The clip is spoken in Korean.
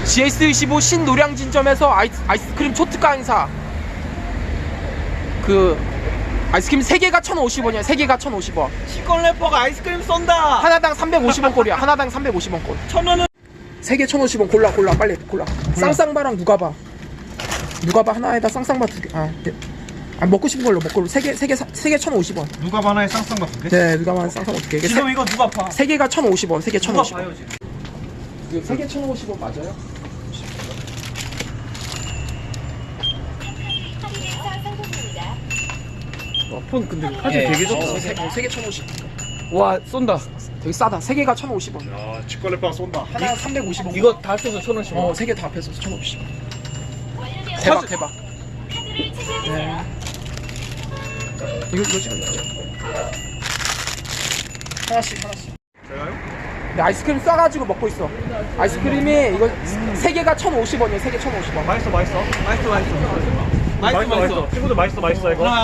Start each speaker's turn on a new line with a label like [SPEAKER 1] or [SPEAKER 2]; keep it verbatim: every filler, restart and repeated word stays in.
[SPEAKER 1] 지에스 이십오 신노량진점에서 아이스, 아이스크림 초특가 행사. 그 아이스크림 세 개가 천오십 원이야. 세 개가 천오십 원.
[SPEAKER 2] 시권 래퍼가 아이스크림 쏜다.
[SPEAKER 1] 하나당 삼백오십 원 꼴이야. 하나당 삼백오십 원 꼴.
[SPEAKER 2] 천 원은
[SPEAKER 1] 세 개 천오십 원. 골라 골라 빨리 골라. 쌍쌍바랑 누가바. 누가바 하나에다 쌍쌍바 두 개. 아, 네. 아 먹고 싶은 걸로 먹고 세 개 세 개 세 개 천오십 원.
[SPEAKER 3] 누가 하나에 쌍쌍 같은데?
[SPEAKER 1] 네, 누가바 쌍쌍 어떻게? 이게
[SPEAKER 2] 지금
[SPEAKER 1] 세,
[SPEAKER 2] 이거 누가 파?
[SPEAKER 1] 세 개가 천오십 원. 세 개
[SPEAKER 2] 누가
[SPEAKER 1] 천오십 원.
[SPEAKER 2] 봐요 지금?
[SPEAKER 1] 이거 세 개 천오십 원 맞아요?
[SPEAKER 4] 와, 폰 근데 카드
[SPEAKER 1] 예.
[SPEAKER 4] 되게 좋다.
[SPEAKER 1] 어, 세, 어, 세개 천오십 원.
[SPEAKER 4] 와, 쏜다.
[SPEAKER 1] 되게 싸다. 세 개가 천오십 원.
[SPEAKER 3] 야, 치과레빵 쏜다.
[SPEAKER 1] 하나 삼백오십 원.
[SPEAKER 4] 이거 다 합쳐서 천 원씩.
[SPEAKER 1] 어, 세 개 다 합해서 천오십 원. 대박 대박. 네. 이거 이거 지금 하나씩 하나씩.
[SPEAKER 3] 제가요?
[SPEAKER 1] 네, 아이스크림 싸가지고 먹고 있어. 아이스크림이 이거 세 개가 천오십 원이에요. 세 개 천오십 원.
[SPEAKER 3] 맛있어, 맛있어.
[SPEAKER 2] 맛있어 맛있어. 맛있어 맛있어.
[SPEAKER 3] 친구들 맛있어, 맛있어, 이거.